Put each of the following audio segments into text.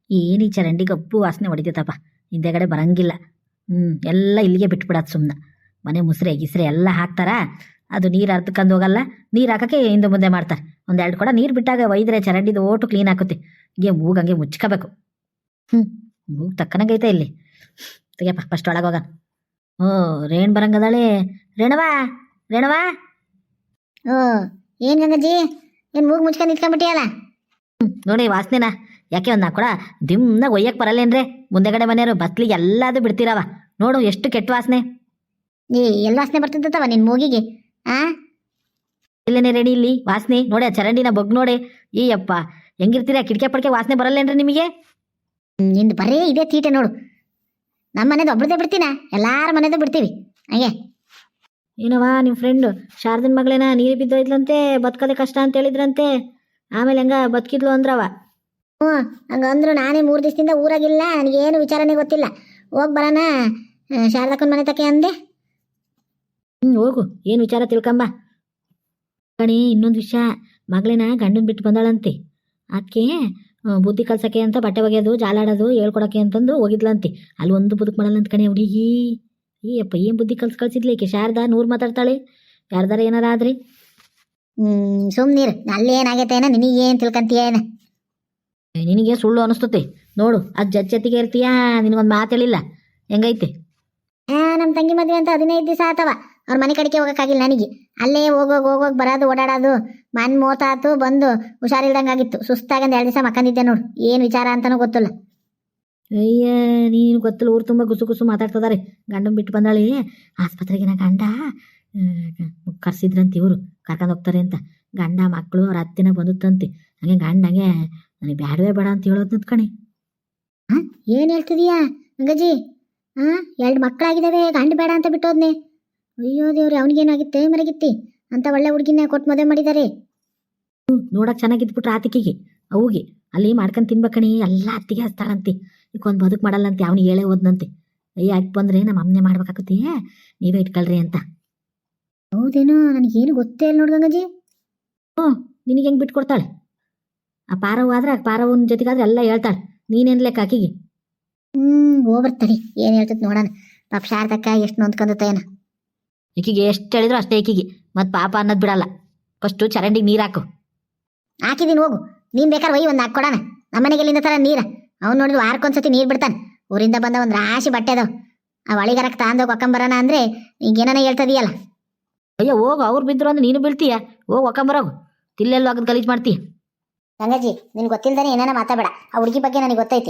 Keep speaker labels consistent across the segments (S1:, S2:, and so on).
S1: ಏನು ಈ ಚರಂಡಿ ಗಬ್ಬು ವಾಸನೆ ಹೊಡಿತೈತಪ್ಪ, ಹಿಂದೆಗಡೆ ಬರಂಗಿಲ್ಲ. ಎಲ್ಲ ಇಲ್ಲಿಗೆ ಬಿಟ್ಬಿಡೋದು ಸುಮ್ಮನೆ. ಮನೆ ಮುಸ್ರೆ ಗಿಸ್ರೆ ಎಲ್ಲ ಹಾಕ್ತಾರ, ಅದು ನೀರು ಅರ್ಧಕ್ಕಂದು ಹೋಗಲ್ಲ. ನೀರು ಹಾಕೋಕ್ಕೆ ಹಿಂದೆ ಮುಂದೆ ಮಾಡ್ತಾರೆ. ಒಂದೆರಡು ಕೊಡ ನೀರು ಬಿಟ್ಟಾಗ ಒಯ್ದ್ರೆ ಚರಂಡಿದು ಓಟು ಕ್ಲೀನ್ ಆಗುತ್ತೆ. ಹೀಗೆ ಮೂಗಂಗೆ ಮುಚ್ಕೋಬೇಕು. ಮೂಗು ತಕ್ಕನಾಗೈತೆ ಇಲ್ಲಿ. ತೆಗಿಯಪ್ಪ ಫಸ್ಟ್ ಒಳಗೆ ಹೋಗ. ರೇಣು ಬರಂಗದಾಳೆ. ರೇಣವಾ ರೇಣವಾ.
S2: ಏನು ಗಂಗಜ್ಜಿ, ಏನು ಮೂಗು ಮುಚ್ಕೊಂಡು ನಿಂತ್ಕೊಂಡ್ಬಿಟ್ಟಿಯಲ್ಲ?
S1: ನೋಡಿ ವಾಸನೆನಾ, ಯಾಕೆ ಒಂದು ನಾಲ್ಕು ಕೊಡ ದಿಮ್ನಾಗ ಒಯ್ಯಕ್ಕೆ ಬರಲ್ಲೇನ್ರೆ? ಮುಂದೆಗಡೆ ಮನೆಯವರು ಬಸ್ಲಿಗೆ ಎಲ್ಲದು ಬಿಡ್ತೀರವ. ನೋಡು ಎಷ್ಟು ಕೆಟ್ಟ ವಾಸನೆ.
S2: ಎಲ್ಲಿ ವಾಸನೆ ಬರ್ತಿದ್ದವ ನಿನ್ನ ಮೂಗಿಗೆ?
S1: ಇಲ್ಲೇನೆ ರೆಡಿ ಇಲ್ಲಿ ವಾಸನೆ ನೋಡಿ. ಆ ಚರಂಡಿನ ಬಗ್ ನೋಡಿ. ಅಪ್ಪ ಹೆಂಗಿರ್ತೀರ? ಕಿಟಕಿ ಪಡ್ಕೆ ವಾಸನೆ ಬರಲ್ಲೇನ್ರಿ ನಿಮಗೆ?
S2: ನಿಂದು ಬರೇ ಇದೇ ತೀಟೆ ನೋಡು. ನಮ್ಮ ಮನೆದು ಒಬ್ರದೇ ಬಿಡ್ತೀನ, ಎಲ್ಲಾರ ಮನೆದು ಬಿಡ್ತೀವಿ ಹಂಗೆ.
S1: ಏನವಾ ನಿಮ್ಮ ಫ್ರೆಂಡು ಶಾರದನ ಮಗಳೇನ ನೀರು ಬಿದ್ದೋಯ್ತಂತೆ, ಬದುಕೋದೆ ಕಷ್ಟ ಅಂತ ಹೇಳಿದ್ರಂತೆ. ಆಮೇಲೆ ಹೆಂಗ ಬದುಕಿದ್ಲು ಅಂದ್ರವ?
S2: ಹಂಗಂದ್ರು ನಾನೇ 3 ದಿವಸದಿಂದ ಊರಾಗಿಲ್ಲ, ನನಗೇನು ವಿಚಾರನೇ ಗೊತ್ತಿಲ್ಲ. ಹೋಗಿ ಬರೋಣ ಶಾರದಕ್ಕನ ಮನೆ ತಕ್ಕೆ ಅಂದೆ.
S1: ಹೋಗು, ಏನು ವಿಚಾರ ತಿಳ್ಕೊಂಬ ಕಣಿ. ಇನ್ನೊಂದು ವಿಷಯ, ಮಗಳೇನ ಗಂಡನ ಬಿಟ್ಟು ಬಂದಾಳಂತೆ. ಅದಕ್ಕೆ ಬುದ್ಧಿ ಕಲ್ಸಕ್ಕೆ ಅಂತ ಬಟ್ಟೆ ಒಗೆಯೋದು ಜಾಲಾಡೋದು ಹೇಳ್ಕೊಡಕ್ಕೆ ಅಂತಂದು ಹೋಗಿದ್ಲಂತೆ. ಅಲ್ಲಿ ಒಂದು ಬದುಕು ಮಾಡಲ್ಲ ಅಂತ ಕಣೆ ಹುಡುಗಿ. ಅಪ್ಪ ಏನು ಬುದ್ಧಿ ಕಲ್ಸಿದ್ಲಿ ಈಕೆ ಶಾರದಾ? 100 ಮಾತಾಡ್ತಾಳೆ. ಯಾರ್ದಾರ ಏನಾರ ಆದ್ರಿ
S2: ಸುಮ್ನೀರು. ಅಲ್ಲೇನಾಗೈತೇನ, ನಿನಗೇನು ತಿಳ್ಕೊಂತೀಯ ಏನ?
S1: ನಿನಗೆ ಸುಳ್ಳು ಅನಿಸ್ತತೆ ನೋಡು. ಅದು ಜೊತೆಗೆ ಇರ್ತೀಯಾ? ನಿನಗೊಂದು ಮಾತು ಹೇಳಿಲ್ಲ ಹೆಂಗೈತೆ?
S2: ನಮ್ಮ ತಂಗಿ ಮದುವೆ ಅಂತ 15 ದಿವಸ ಆತವ. ಅವ್ರ ಮನೆ ಕಡೆಗೆ ಹೋಗೋಕ್ಕಾಗಿಲ್ಲ ನನಗೆ. ಅಲ್ಲೇ ಹೋಗೋಗಿ ಬರೋದು ಓಡಾಡೋದು. ಮನ್ ಮೋತಾತು ಬಂದು ಹುಷಾರಿಲ್ದಂಗಾಗಿತ್ತು. ಸುಸ್ತಾಗಂದು 2 ದಿವಸ ಮಕ್ಕಂದಿದ್ದೆ ನೋಡು. ಏನು ವಿಚಾರ ಅಂತನೂ ಗೊತ್ತಿಲ್ಲ.
S1: ಅಯ್ಯ ನೀನು ಗೊತ್ತಿಲ್ಲ, ಊರು ತುಂಬ ಗುಸು ಗುಸು ಮಾತಾಡ್ತಿದ್ದಾರೆ. ಗಂಡನ ಬಿಟ್ಟು ಬಂದಾಳೆ ಆಸ್ಪತ್ರೆಗೆ. ನಾ ಗಂಡ ಕರ್ಸಿದ್ರಂತೆ, ಇವರು ಕರ್ಕೊಂಡು ಹೋಗ್ತಾರೆ ಅಂತ. ಗಂಡ ಮಕ್ಕಳು ಅವ್ರ ಅತ್ತೆನ ಬಂದುತ್ತಂತೆ. ಹಂಗೆ ಗಂಡ ಹಂಗೆ ನನಗೆ ಬ್ಯಾಡವೇ ಬೇಡ ಅಂತ ಹೇಳೋದು ನಿಂತ್ಕಣಿ.
S2: ಏನು ಹೇಳ್ತಿದೀಯಾ ಗಂಗಜ್ಜಿ? 2 ಮಕ್ಕಳಾಗಿದ್ದಾವೆ, ಗಂಡ ಬೇಡ ಅಂತ ಬಿಟ್ಟೋದ್ನೆ. ಅಯ್ಯೋ ದೇವ್ರಿ, ಅವನಿಗೇನಾಗಿತ್ತೆ ಮರಗಿತ್ತಿ ಅಂತ ಒಳ್ಳೆ ಹುಡುಗಿನ ಕೊಟ್ಟು ಮದುವೆ ಮಾಡಿದ್ದಾರೆ.
S1: ನೋಡಕ್ ಚೆನ್ನಾಗಿದ್ಬಿಟ್ರೆ ಆತಿಕಿಗೆ ಅವುಗೆ ಅಲ್ಲಿ ಮಾಡ್ಕೊಂಡು ತಿನ್ಬೇಕಣಿ. ಎಲ್ಲ ಅತ್ತಿಗೆ ಹಚ್ತಾಳಂತೆ. ಈಗೊಂದು ಬದುಕು ಮಾಡಲ್ಲಂತೆ. ಅವನಿಗೆ ಹೇಳೇ ಹೋದ್ನಂತೆ. ಯಾಕೆ ಬಂದ್ರೆ ನಮ್ಮ ಅಮ್ಮನೆ ಮಾಡ್ಬೇಕಾಗತ್ತೆ, ನೀವೇ ಇಟ್ಕೊಳ್ರಿ ಅಂತ.
S2: ಹೌದೇನೋ, ನನಗೇನು ಗೊತ್ತೇ ಇಲ್ಲ ನೋಡು ಗಂಗಜ್ಜಿ.
S1: ನಿನಗೆ ಹೆಂಗೆ ಬಿಟ್ಕೊಡ್ತಾಳೆ? ಆ ಪಾರವ್ ಆದ್ರೆ ಆ ಪಾರವನ ಜೊತೆಗಾದ್ರೆ ಎಲ್ಲ ಹೇಳ್ತಾಳೆ. ನೀನೇನು ಲೆಕ್ಕ ಆಕಿಗೆ?
S2: ಹೋಗ್ಬರ್ತಡಿ, ಏನು ಹೇಳ್ತದೆ ನೋಡೋಣ. ಪಾಪ ಶಾರದಕ್ಕ ಎಷ್ಟು ನೊಂದ್ಕೊಂಡೇನ.
S1: ಈಕಿಗೆ ಎಷ್ಟು ಹೇಳಿದ್ರು ಅಷ್ಟೇ ಈಕಿಗೆ. ಮತ್ತು ಪಾಪ ಅನ್ನೋದು ಬಿಡಲ್ಲ. ಫಸ್ಟು ಚರಂಡಿಗೆ ನೀರು ಹಾಕು.
S2: ಹಾಕಿದೀನಿ, ಹೋಗು. ನೀನು ಬೇಕಾದ್ರೆ ಒಯ್ಯಿ ಒಂದು ಹಾಕ್ಕೊಡೋಣ. ನಮ್ಮನೆಗೆ ಎಲ್ಲಿಂದ ತರ ನೀರು? ಅವ್ನು ನೋಡಿದ್ರು ವಾರಕ್ಕೊಂದ್ಸತಿ ನೀರು ಬಿಡ್ತಾನೆ. ಊರಿಂದ ಬಂದ ಒಂದು ರಾಶಿ ಬಟ್ಟೆ ಅದಾವ. ಆ ಒಳಿಗರಕ್ಕೆ ತಾಂದೋಗಿ ಒಕ್ಕಂಬರೋಣ ಅಂದರೆ ಈಗೇನ ಹೇಳ್ತದೀಯಲ್ಲ.
S1: ಅಯ್ಯೋ ಹೋಗು, ಅವ್ರು ಬಿದ್ರು ಅಂದ್ರೆ ನೀನು ಬೀಳ್ತೀಯ. ಹೋಗಿ ಒಕ್ಕಂಬರೋಗು. ತಿಲ್ಲೆಲ್ಲೋ ಆಗದ್ ಗಲೀಜು ಮಾಡ್ತೀಯ.
S2: ಗಂಗಜ್ಜಿ, ನಿನ್ಗೆ ಗೊತ್ತಿಲ್ದಾನೆ ಏನಾನ ಮಾತಾಡಬೇಡ. ಆ ಹುಡುಗಿ ಬಗ್ಗೆ ನನಗೆ ಗೊತ್ತೈತಿ.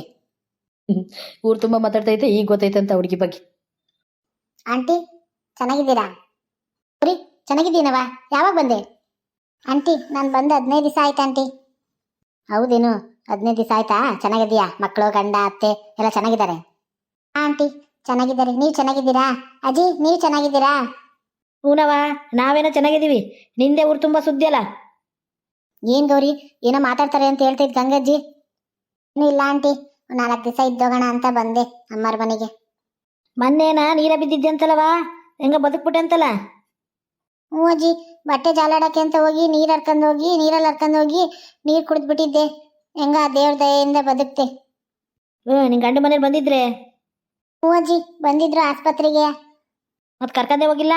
S1: ಊರು ತುಂಬ ಮಾತಾಡ್ತೈತೆ, ಈಗ ಗೊತ್ತೈತೆ ಅಂತ ಹುಡುಗಿ ಬಗ್ಗೆ.
S2: ಆಂಟಿ ಚೆನ್ನಾಗಿದ್ದೀರಾ? ಸರಿ, ಚೆನ್ನಾಗಿದ್ದೀನವ. ಯಾವಾಗ ಬಂದೆ? ಆಂಟಿ ನಾನು ಬಂದು 15 ದಿವಸ ಆಯ್ತು ಆಂಟಿ. ಹೌದೇನು? 15 ದಿವಸ ಆಯ್ತಾ? ಚೆನ್ನಾಗಿದ್ದೀಯಾ? ಮಕ್ಕಳು ಗಂಡ ಅತ್ತೆ ಎಲ್ಲ ಚೆನ್ನಾಗಿದ್ದಾರೆ? ಆಂಟಿ ಚೆನ್ನಾಗಿದ್ದಾರೆ. ನೀವು ಚೆನ್ನಾಗಿದ್ದೀರಾ? ಅಜ್ಜಿ ನೀವು ಚೆನ್ನಾಗಿದ್ದೀರಾ?
S1: ಹೂನವ, ನಾವೇನೋ ಚೆನ್ನಾಗಿದ್ದೀವಿ. ನಿಂದೆ ಊರು ತುಂಬ ಸುದ್ದಿ ಅಲ್ಲ.
S2: ಏನು ಗೌರಿ, ಏನೋ ಮಾತಾಡ್ತಾರೆ ಅಂತ ಹೇಳ್ತೈತ್ ಗಂಗಜ್ಜಿ. ಇನ್ನೂ ಇಲ್ಲ ಆಂಟಿ, 4 ದಿವಸ ಇದ್ದೋಗೋಣ ಅಂತ ಬಂದೆ ಅಮ್ಮರ ಮನೆಗೆ.
S1: ಮೊನ್ನೆನ ನೀರ ಬಿದ್ದಿದ್ದೆ ಅಂತಲ್ಲವಾ? ಹೆಂಗ ಬದುಕ್ಬಿಟ್ಟೆ ಅಂತಲ್ಲ?
S2: ಹ್ಞೂ ಅಜ್ಜಿ, ಬಟ್ಟೆ ಜಾಲಾಡಕ್ಕೆ ಅಂತ ಹೋಗಿ ನೀರಲ್ಲಿ ಹರ್ಕೊಂಡು ಹೋಗಿ ನೀರು ಕುಡಿದ್ಬಿಟ್ಟಿದ್ದೆ. ಹೆಂಗ ದೇವ್ರ ದಯೆಯಿಂದ ಬದುಕ್ತೆ.
S1: ನಿನ್ ಗಂಡ ಮನೇಲಿ ಬಂದಿದ್ರೆ?
S2: ಹ್ಞೂ ಅಜ್ಜಿ ಬಂದಿದ್ರು ಆಸ್ಪತ್ರೆಗೆ.
S1: ಮತ್ತೆ ಕರ್ಕಂದೆ ಹೋಗಿಲ್ಲ?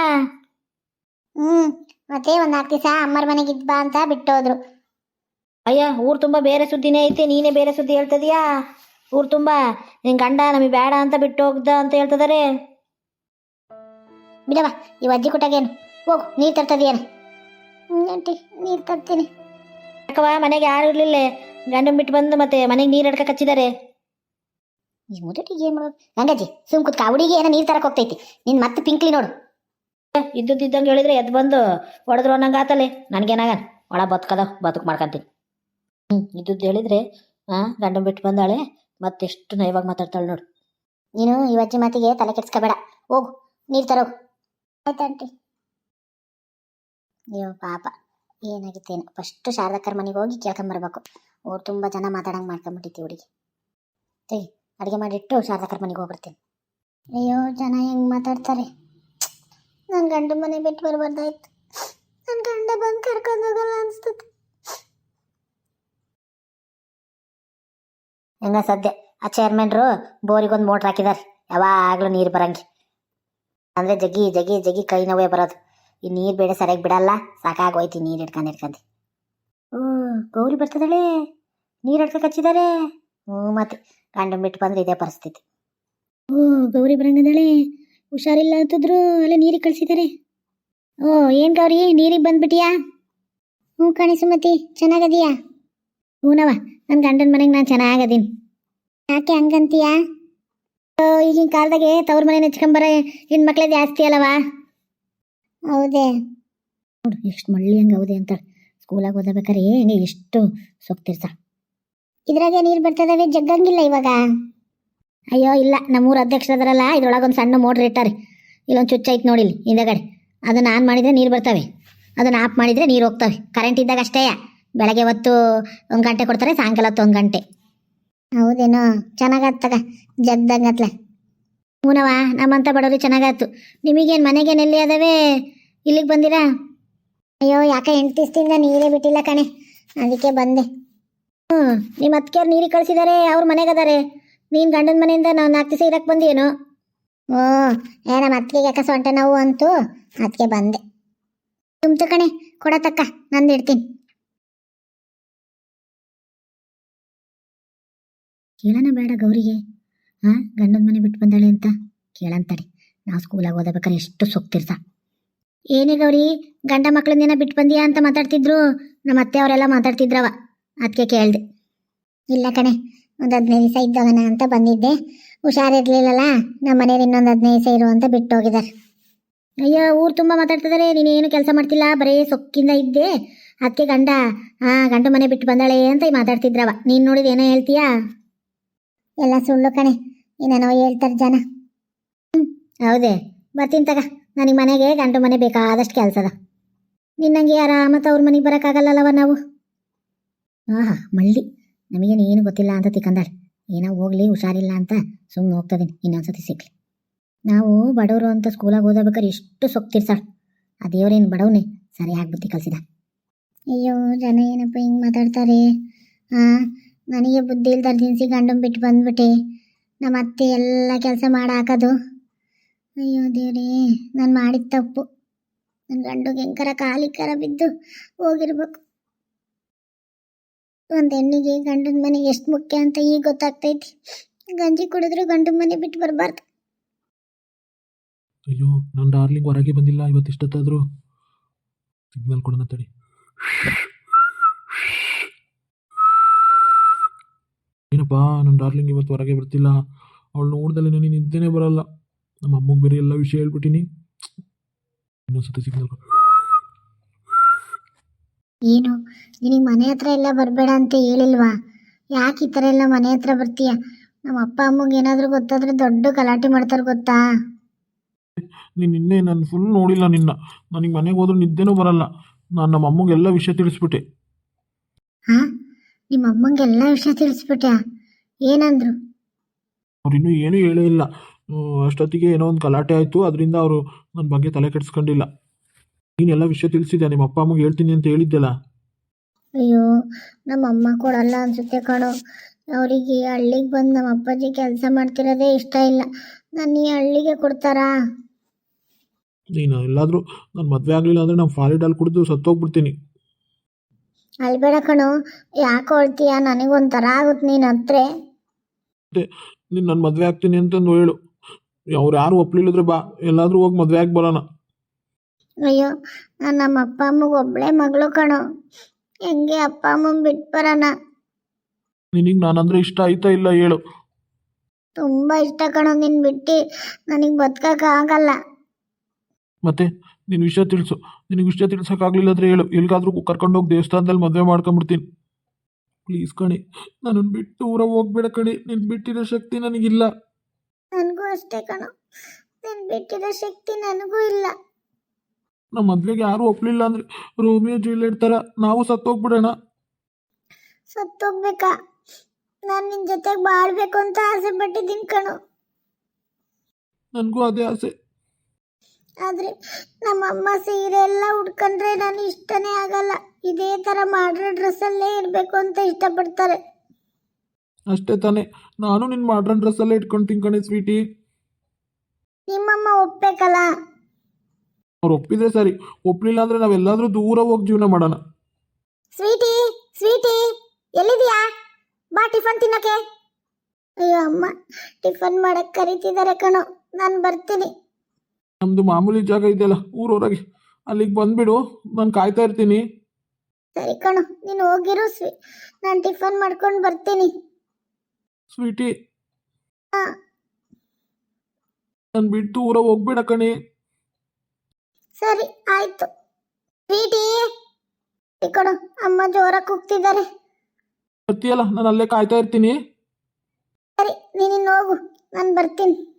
S2: ಮತ್ತೆ 4 ದಿವಸ ಅಮ್ಮರ ಮನೆಗೆ ಇದ್ಬಾ ಅಂತ ಬಿಟ್ಟೋದ್ರು.
S1: ಅಯ್ಯ, ಊರು ತುಂಬ ಬೇರೆ ಸುದ್ದಿನೇ ಐತೆ, ನೀನೇ ಬೇರೆ ಸುದ್ದಿ ಹೇಳ್ತದೀಯಾ? ಊರು ತುಂಬ ನಿನ್ ಗಂಡ ನಮಗೆ ಬೇಡ ಅಂತ ಬಿಟ್ಟು ಹೋಗ್ದ ಅಂತ ಹೇಳ್ತಿದಾರೆ.
S2: ಬಿಡವ, ಈ ಅಜ್ಜಿ ಕುಟಾಗೇನು. ಹೋಗು, ನೀರು ತರ್ತದೇನು? ಆಂಟಿ ನೀರು ತರ್ತೀನಿ.
S1: ಯಾಕವ, ಮನೆಗೆ ಯಾರು ಇರ್ಲಿಲ್ಲ? ಗಂಡನ್ ಬಿಟ್ಟು ಬಂದು ಮತ್ತೆ ಮನೆಗೆ ನೀರು ಅಡ್ಕ ಕಚ್ಚಿದ್ದಾರೆ.
S2: ಈ ಮುದುಟಿಗೆ ಏನು ಮಾಡೋದು? ಗಂಗಜ್ಜಿ ಸುಮ್ ಕುತ್ಕ. ಹುಡುಗಿ ಏನೋ ನೀರು ತರಕ್ಕೆ ಹೋಗ್ತೈತಿ. ನೀನು ಮತ್ತೆ ಪಿಂಕ್ಲಿ ನೋಡು.
S1: ಇದ್ದಂಗೆ ಹೇಳಿದ್ರೆ ಎದ್ದು ಬಂದು ಹೊಡೆದ್ರು ಅನ್ನಂಗೆ ಆತಲೆ. ನನಗೇನಾಗ ಒಳ ಬದುಕು ಮಾಡ್ಕೊಂತೀನಿ. ಇದ್ದದ್ದು ಹೇಳಿದ್ರೆ ಗಂಡನ್ ಬಿಟ್ಟು ಬಂದಾಳೆ ಮತ್ತೆಷ್ಟು ನಯವಾಗಿ ಮಾತಾಡ್ತಾಳೆ ನೋಡು.
S2: ನೀನು ಈ ಅಜ್ಜಿ ಮಾತಿಗೆ ತಲೆ ಕೆಡ್ಸ್ಕೋಬೇಡ. ಹೋಗು, ನೀರು ತರೋಗು. ಆಯ್ತಂಟಿ. ಅಯ್ಯೋ ಪಾಪ, ಏನಾಗಿತ್ತೇನು. ಫಸ್ಟು ಶಾರದಕ್ಕರ ಮನೆಗೆ ಹೋಗಿ ಕೇಳ್ಕೊಂಬರ್ಬೇಕು. ಅವ್ರು ತುಂಬ ಜನ ಮಾತಾಡಂಗೆ ಮಾಡ್ಕೊಂಬಿಟ್ಟಿತ್ತು ಹುಡುಗಿ. ತೆಗಿ, ಅಡುಗೆ ಮಾಡಿಟ್ಟು ಶಾರದಕ್ಕರ ಮನೆಗೆ ಹೋಗ್ಬಿಡ್ತೀನಿ. ಅಯ್ಯೋ ಜನ ಹೆಂಗೆ ಮಾತಾಡ್ತಾರೆ. ನನ್ನ ಗಂಡ ಮನೆ ಬಿಟ್ಟು ಬರಬಾರ್ದಾಯ್ತು. ನನ್ನ ಗಂಡ ಬಂದು ಕರ್ಕೊಂಡು ಹೋಗಲ್ಲ ಅನಿಸ್ತದೆ. ಹೆಂಗ ಸದ್ಯ ಆ ಚೇರ್ಮನ್ರು ಬೋರಿಗೊಂದು ಮೋಟ್ರ್ ಹಾಕಿದ್ದಾರೆ, ಯಾವಾಗಲೂ ನೀರು ಬರಂಗೆ. ಅಂದರೆ ಜಗ್ಗಿ ಜಗ್ಗಿ ಜಗ್ಗಿ ಕೈ ನೋವೇ ಬರೋದು. ಈ ನೀರು ಬೇಡ ಸರಿಯಾಗಿ ಬಿಡಲ್ಲ, ಸಾಕಾಗೋಯ್ತು ನೀರು ಇಟ್ಕೊಂಡು. ಗೌರಿ ಬರ್ತದಳೆ, ನೀರು ಹಿಡ್ಕೊ ಹಚ್ಚಿದ್ದಾರೆ. ಮತ್ತೆ ಗಂಡನ್ ಬಿಟ್ಟು ಬಂದ್ರೆ ಇದೇ ಪರಿಸ್ಥಿತಿ. ಗೌರಿ ಬರಂಗದಳೆ, ಹುಷಾರಿಲ್ಲ ಅಂತಿದ್ರು, ಅಲ್ಲೇ ನೀರಿಗೆ ಕಳಿಸಿದ್ದಾರೆ. ಏನು ಗೌರಿ ನೀರಿಗೆ ಬಂದ್ಬಿಟ್ಟಿಯಾ? ಕಣಿ ಸುಮತಿ, ಚೆನ್ನಾಗದೀಯಾ? ಹೂನವ, ನನ್ನ ಗಂಡನ ಮನೆಗೆ ನಾನು ಚೆನ್ನಾಗದೀನಿ. ಯಾಕೆ ಹಂಗಂತೀಯಾ? ಈಗಿನ ಕಾಲದಾಗೆ ತವ್ರ ಮನೆ ನೆಚ್ಕೊಂಬರ ಹೆಣ್ಮಕ್ಳೇ ಜಾಸ್ತಿ ಅಲ್ಲವಾ? ಹೌದೇ ನೋಡು, ಎಷ್ಟು ಮಳ್ಳಿ ಹಂಗೆ ಹೌದೇ ಅಂತಾಳೆ. ಸ್ಕೂಲಾಗ ಓದಬೇಕಾರೆ ಹೆಂಗೆ ಎಷ್ಟು ಸೊಕ್ತಿರ್ತ. ಇದ್ರಾಗೆ ನೀರು ಬರ್ತದವೆ, ಜಗ್ಗಂಗಿಲ್ಲ ಇವಾಗ. ಅಯ್ಯೋ ಇಲ್ಲ, ನಮ್ಮೂರ ಅಧ್ಯಕ್ಷರದಾರಲ್ಲ, ಇದ್ರೊಳಗೊಂದು ಸಣ್ಣ ಮೋಟ್ರ್ ಇಟ್ಟಾರೆ. ಇಲ್ಲೊಂದು ಚುಚ್ಚ ಐತೆ ನೋಡಿಲ್ಲಿ ಹಿಂದಗಡೆ, ಅದನ್ನು ಆನ್ ಮಾಡಿದರೆ ನೀರು ಬರ್ತವೆ, ಅದನ್ನು ಆಫ್ ಮಾಡಿದರೆ ನೀರು ಹೋಗ್ತವೆ. ಕರೆಂಟ್ ಇದ್ದಾಗ ಅಷ್ಟೇ, ಬೆಳಗ್ಗೆ ಹೊತ್ತು 1 ಗಂಟೆ ಕೊಡ್ತಾರೆ, ಸಾಯಂಕಾಲ ಹೊತ್ತು 1 ಗಂಟೆ. ಹೌದೇನೋ, ಚೆನ್ನಾಗತ್ತಗ ಜಗ್ದಂಗತ್ಲ. ಹೂನವ, ನಮ್ಮಂತ ಬಡವ್ರಿಗೆ ಚೆನ್ನಾಗಾಯ್ತು. ನಿಮಗೇನು ಮನೆಗೇನೆಲ್ಲಿ ಅದಾವೆ, ಇಲ್ಲಿಗೆ ಬಂದಿರಾ? ಅಯ್ಯೋ ಯಾಕೆ 8 ದಿವಸದಿಂದ ನೀರೇ ಬಿಟ್ಟಿಲ್ಲ ಕಣೆ, ಅದಕ್ಕೆ ಬಂದೆ. ನಿಮ್ಮ ಅತ್ತಿಗೆಯವ್ರು ನೀರಿಗೆ ಕಳಿಸಿದ್ದಾರೆ, ಅವ್ರ ಮನೆಗದಾರೆ. ನೀನು ಗಂಡನ ಮನೆಯಿಂದ ನಾವು 4 ದಿವಸ ಇರಕ್ಕೆ ಬಂದೇನು? ನಮ್ಮ ಅತ್ತಿಗೆ ಯಾಕೆ ಸೊಂಟ ನೋವು ಅಂತು, ಅದಕ್ಕೆ ಬಂದೆ. ತುಂಬ್ತು ಕಣೆ, ಕೊಡತಕ್ಕ, ನಂದು ಇಡ್ತೀನಿ. ಕೇಳೋಣ ಬೇಡ ಗೌರಿಗೆ, ಗಂಡನ ಮನೆ ಬಿಟ್ಟು ಬಂದಾಳೆ ಅಂತ ಕೇಳಂತಾಳೆ. ನಾವು ಸ್ಕೂಲಾಗ ಓದಬೇಕಾರೆ ಎಷ್ಟು ಸೊಕ್ತಿರ್ತ. ಏನೇ ಗೌರಿ, ಗಂಡ ಮಕ್ಕಳನ್ನೇನ ಬಿಟ್ಟು ಬಂದಿಯಾ ಅಂತ ಮಾತಾಡ್ತಿದ್ರು, ನಮ್ಮ ಅತ್ತೆ ಅವರೆಲ್ಲ ಮಾತಾಡ್ತಿದ್ರವ, ಅದಕ್ಕೆ ಕೇಳಿದೆ. ಇಲ್ಲ ಕಣೆ, ಒಂದು 15 ದಿವಸ ಇದ್ದವನ ಅಂತ ಬಂದಿದ್ದೆ. ಹುಷಾರಿರ್ಲಿಲ್ಲಲ್ಲ, ನಮ್ಮ ಮನೇಲಿ ಇನ್ನೊಂದು 15 ದಿವಸ ಇರು ಅಂತ ಬಿಟ್ಟು ಹೋಗಿದ್ದಾರೆ. ಅಯ್ಯೋ, ಊರು ತುಂಬ ಮಾತಾಡ್ತಿದ್ದಾರೆ, ನೀನೇನು ಕೆಲಸ ಮಾಡ್ತಿಲ್ಲ, ಬರೀ ಸೊಕ್ಕಿಂದ ಇದ್ದೆ, ಅದಕ್ಕೆ ಗಂಡ ಮನೆ ಬಿಟ್ಟು ಬಂದಾಳೆ ಅಂತ ಮಾತಾಡ್ತಿದ್ರವ. ನೀನು ನೋಡಿದ ಏನೋ ಹೇಳ್ತೀಯಾ? ಎಲ್ಲ ಸುಳ್ಳು ಕಣೆ, ಏನೇನೋ ಹೇಳ್ತಾರೆ ಜನ. ಹೌದೇ, ಬರ್ತೀನಿ ತಗ. ನನಗೆ ಮನೆಗೆ ಗಂಡ ಮನೆ ಬೇಕಾದಷ್ಟು ಕೆಲಸ ಅದ. ನಿನ್ನಂಗೆ ಆರಾಮತ್ತ ಅವ್ರ ಮನೆಗೆ ಬರೋಕ್ಕಾಗಲ್ಲವ ನಾವು. ಮಳ್ಳಿ, ನಮಗೇನು ಏನು ಗೊತ್ತಿಲ್ಲ ಅಂತ ತಿಕ್ಕಂದಾಳೆ. ಏನೋ ಹೋಗ್ಲಿ, ಹುಷಾರಿಲ್ಲ ಅಂತ ಸುಮ್ಮನೆ ಹೋಗ್ತದೀನಿ, ಇನ್ನೊಂದ್ಸತಿ ಸಿಕ್ಲಿ. ನಾವು ಬಡವರು ಅಂತ ಸ್ಕೂಲಾಗ ಓದಬೇಕಾದ್ರೆ ಎಷ್ಟು ಸೊಕ್ತಿರ್ಸಾಳ. ಆ ದೇವರೇನು ಬಡವನೇ ಸರಿಯಾಗಿ ಬುದ್ಧಿ ಕಲಿಸಿದ. ಅಯ್ಯೋ, ಜನ ಏನಪ್ಪ ಹಿಂಗೆ ಮಾತಾಡ್ತಾರೆ. ನನಗೆ ಬುದ್ಧಿ ಇಲ್ದಾರ ದಿನಸಿ ಗಂಡನ್ ಬಿಟ್ಟು ಬಂದ್ಬಿಟ್ಟೆ. ನಮ್ಮ ಅತ್ತೆ ಎಲ್ಲ ಕೆಲಸ ಮಾಡಾಕೋದು. ಅಯ್ಯೋ ದೇವ್ರೇ, ನಾನು ಮಾಡಿದ ತಪ್ಪು. ನನ್ನ ಗಂಡಿಗೆ ಹೆಂಗಾರ ಕಾಲಿಕರ ಬಿದ್ದು ಹೋಗಿರ್ಬೇಕು. ಒಂದು ಹೆಣ್ಣಿಗೆ ಗಂಡನ ಮನೆಗೆ ಎಷ್ಟು ಮುಖ್ಯ ಅಂತ ಈಗ ಗೊತ್ತಾಗ್ತೈತಿ. ಗಂಜಿ ಕುಡಿದ್ರು ಗಂಡನ ಮನೆ ಬಿಟ್ಟು ಬರಬಾರ್ದು.
S3: ಅಯ್ಯೋ, ನನ್ನ ಡಾರ್ಲಿಂಗ್ ಹೊರಗೆ ಬಂದಿಲ್ಲ ಇವತ್ತು ಇಷ್ಟೊತ್ತಾದರೂ. ಸಿಗ್ನಲ್ ಕೊಡೋಣ ತಡಿ. ಏನಪ್ಪ, ನನ್ನ ಡಾರ್ಲಿಂಗ್ ಇವತ್ತು ಹೊರಗೆ ಬರ್ತಿಲ್ಲ. ಅವಳು ನೋಡ್ದಲ್ಲೇ ನನಗೆ ನಿದ್ದೆನೇ ಬರಲ್ಲ. ನಮ್ಮ ಅಮ್ಮಗೆ ಬೇರೆ ಎಲ್ಲ ವಿಷಯ ಹೇಳ್ಬಿಟ್ಟಿನಿ. ಇನ್ನೊಂದ್ಸತಿ ಸಿಗ್ನಲ್.
S2: ಏನು, ನಿನಗೆ ಮನೆ ಹತ್ರ ಎಲ್ಲ ಬರಬೇಡ ಅಂತ ಹೇಳಿಲ್ವಾ? ಯಾಕೆ ಈ ಥರ ಎಲ್ಲ ಮನೆ ಹತ್ರ ಬರ್ತೀಯ? ನಮ್ಮ ಅಪ್ಪ ಅಮ್ಮಗೆ ಏನಾದರೂ ಗೊತ್ತಾದ್ರೆ ದೊಡ್ಡ ಗಲಾಟೆ ಮಾಡ್ತಾರೆ ಗೊತ್ತಾ?
S3: ನೀನು ನಿನ್ನೆ ನಾನು ಫುಲ್ ನೋಡಿಲ್ಲ ನಿನ್ನ. ನನಗೆ ಮನೆಗೆ ಹೋದ್ರೂ ನಿದ್ದೆನೂ ಬರಲ್ಲ. ನಾನು ನಮ್ಮ ಅಮ್ಮಗೆ ಎಲ್ಲ ವಿಷಯ ತಿಳಿಸ್ಬಿಟ್ಟೆ.
S2: ನಿಮ್ಮ ಅಮ್ಮಂಗೆಲ್ಲ ವಿಷಯ ತಿಳಿಸ್ಬಿಟ್ಯಾ? ಏನಂದ್ರು?
S3: ಅವ್ರು ಇನ್ನೂ ಏನೂ ಹೇಳೇ ಇಲ್ಲ. ಅಷ್ಟೊತ್ತಿಗೆ ಏನೋ ಒಂದು ಗಲಾಟೆ ಆಯಿತು, ಅದರಿಂದ ಅವರು ನನ್ನ ಬಗ್ಗೆ ತಲೆ ಕೆಡಿಸ್ಕೊಂಡಿಲ್ಲ. ನೀನೆಲ್ಲ ವಿಷಯ ತಿಳಿಸಿದ್ಯಾ? ನಿಮ್ಮ ಅಪ್ಪ ಅಮ್ಮಗೆ ಹೇಳ್ತೀನಿ ಅಂತ ಹೇಳಿದ್ದೆಲ್ಲ.
S2: ಅಯ್ಯೋ, ನಮ್ಮ ಅಮ್ಮ ಕೊಡಲ್ಲ ಅನ್ಸುತ್ತೆ ಕಣೋ. ಅವರಿಗೆ ಹಳ್ಳಿಗೆ ಬಂದು ನಮ್ಮ ಅಪ್ಪಾಜಿ ಕೆಲಸ ಮಾಡ್ತಿರೋದೇ ಇಷ್ಟ ಇಲ್ಲ. ನಾನು ಈ ಹಳ್ಳಿಗೆ ಕೊಡ್ತಾರಾ?
S3: ನೀನು ಎಲ್ಲಾದರೂ ನಾನು ಮದುವೆ ಆಗಲಿಲ್ಲ ಅಂದರೆ ನಾನು ಫಾಲಿಡಾಲ್ ಕುಡಿದು ಸತ್ತೋಗ್ಬಿಡ್ತೀನಿ.
S2: ಅಲ್ಬೇಡ ಕಣೋ, ಯಾಕೆ ಹೊಳ್ತೀಯ? ನನಗೊಂಥರ ಆಗುತ್ತೆ ನೀನು ಹತ್ರ.
S3: ನೀನು ನನ್ನ ಮದುವೆ ಆಗ್ತೀನಿ ಅಂತಂದು ಹೇಳು. ಅವ್ರು ಯಾರು ಒಪ್ಲಿಲ್ಲದ್ರೆ ಬಾ, ಎಲ್ಲಾದರೂ ಹೋಗಿ ಮದುವೆ ಆಗಿ ಬರೋಣ.
S2: ಅಯ್ಯೋ, ನಾನು ನಮ್ಮ ಅಪ್ಪ ಅಮ್ಮಗೆ ಒಬ್ಬಳೇ ಮಗಳು ಕಣೋ. ಹೆಂಗೆ ಅಪ್ಪ ಅಮ್ಮನ ಬಿಟ್ಟು ಬರೋಣ?
S3: ನಿನಗೆ ನಾನಂದರೆ ಇಷ್ಟ ಆಯ್ತಾ ಇಲ್ಲ ಹೇಳು?
S2: ತುಂಬ ಇಷ್ಟ ಕಣೋ, ನಿನ್ನ ಬಿಟ್ಟು ನನಗೆ ಬದುಕೋಕ್ಕಾಗಲ್ಲ.
S3: ಮತ್ತೆ ನಿನ್ನ ವಿಷಯ ತಿಳಿಸು. ನಿನಗೆ ವಿಷಯ ತಿಳಿಸೋಕ್ಕಾಗಲಿಲ್ಲ ಅಂದರೆ ಹೇಳು, ಎಲ್ಲಿಗಾದ್ರೂ ಕರ್ಕೊಂಡೋಗಿ ದೇವಸ್ಥಾನದಲ್ಲಿ ಮದುವೆ ಮಾಡ್ಕೊಂಬಿಡ್ತೀನಿ. ಪ್ಲೀಸ್ ಕಣೆ, ನನ್ನನ್ನು ಬಿಟ್ಟು ಊರ ಹೋಗ್ಬೇಡ ಕಣೆ. ನಿನ್ನ ಬಿಟ್ಟಿರೋ ಶಕ್ತಿ ನನಗಿಲ್ಲ.
S2: ನನಗೂ ಅಷ್ಟೇ ಕಣೋ, ನಿನ್ನ ಬಿಟ್ಟಿರೋ ಶಕ್ತಿ ನನಗೂ ಇಲ್ಲ.
S3: ನಮ್ಮ ಮದುವೆಗೆ ಯಾರೂ ಒಪ್ಪಲಿಲ್ಲ ಅಂದರೆ ರೋಮಿಯೋ ಜೂಲಿಯಟ್ ಥರ ನಾವು ಸತ್ತೋಗ್ಬಿಡೋಣ.
S2: ಸತ್ತೋಗ್ಬೇಕಾ? ನಾನು ನಿನ್ನ ಜೊತೆಗೆ ಬಾಳ್ಬೇಕು ಅಂತ ಆಸೆ ಪಟ್ಟಿದ್ದೀನಿ ಕಣೋ.
S3: ನನಗೂ ಅದೇ ಆಸೆ.
S2: ಆದರೆ ನಮ್ಮಮ್ಮ ಸೀರೆ ಎಲ್ಲ ಉಟ್ಕೊಂಡ್ರೆ ನಾನು ಇಷ್ಟನೇ ಆಗಲ್ಲ. ಇದೇ ಥರ ಮಾಡ್ರೋ ಡ್ರೆಸ್ಸಲ್ಲೇ ಇರಬೇಕು ಅಂತ ಇಷ್ಟಪಡ್ತಾರೆ.
S3: ಅಷ್ಟೇ ತಾನೇ. ನಾನು ನಿನ್ನ ಮಾಡ್ರನ್ ಡ್ರೆಸ್ಸಲ್ಲೇ ಇಟ್ಕೊಳ್ತೀನಿ ಕಣೆ ಸ್ವೀಟಿ.
S2: ನಿಮ್ಮಮ್ಮ ಒಪ್ಬೇಕಲ್ಲ.
S3: ಅವ್ರು ಒಪ್ಪಿದ್ರೆ ಸರಿ, ಒಪ್ಪಲಿಲ್ಲ ಅಂದರೆ ನಾವೆಲ್ಲಾದರೂ ದೂರ ಹೋಗಿ ಜೀವನ ಮಾಡೋಣ.
S2: ಸ್ವೀಟಿ, ಸ್ವೀಟಿ, ಎಲ್ಲಿದೀಯಾ? ಬಾ ಟಿಫನ್ ತಿನ್ನಕ್ಕೆ. ಅಯ್ಯೋ ಅಮ್ಮ, ಟಿಫನ್ ಮಾಡಕ್ ಕರೀತಿದ್ದಾರೆ ಕಣೋ, ನಾನು ಬರ್ತೀನಿ.
S3: ನಮ್ಮದು ಮಾಮೂಲಿ ಜಾಗ ಇದೆಯಲ್ಲ ಊರೊಳಗೆ, ಅಲ್ಲಿಗೆ ಬಂದುಬಿಡು, ನಾನು ಕಾಯ್ತಾ ಇರ್ತೀನಿ.
S2: ಸರಿ ಕಣೋ, ನೀನು ಹೋಗಿರು ನಾನು ಟಿಫನ್ ಮಾಡ್ಕೊಂಡು ಬರ್ತೀನಿ.
S3: ಸ್ವೀಟಿ,
S2: ಹಾ,
S3: ನಾನು ಬಿಟ್ಟು ದೂರ ಹೋಗ್ಬೇಡ ಕಣೆ.
S2: ಸರಿ ಆಯ್ತು. ಸ್ವೀಟಿ, ಈ ಕಣೋ, ಅಮ್ಮ ಜೋರಾಗಿ ಕೂಗ್ತಿದ್ದಾರೆ.
S3: ಬರ್ತೀಯಲ್ಲ, ನಾನು ಅಲ್ಲೇ ಕಾಯ್ತಾ ಇರ್ತೀನಿ.
S2: ಸರಿ, ನೀನಿನ್ನು ಹೋಗು, ನಾನು ಬರ್ತೀನಿ.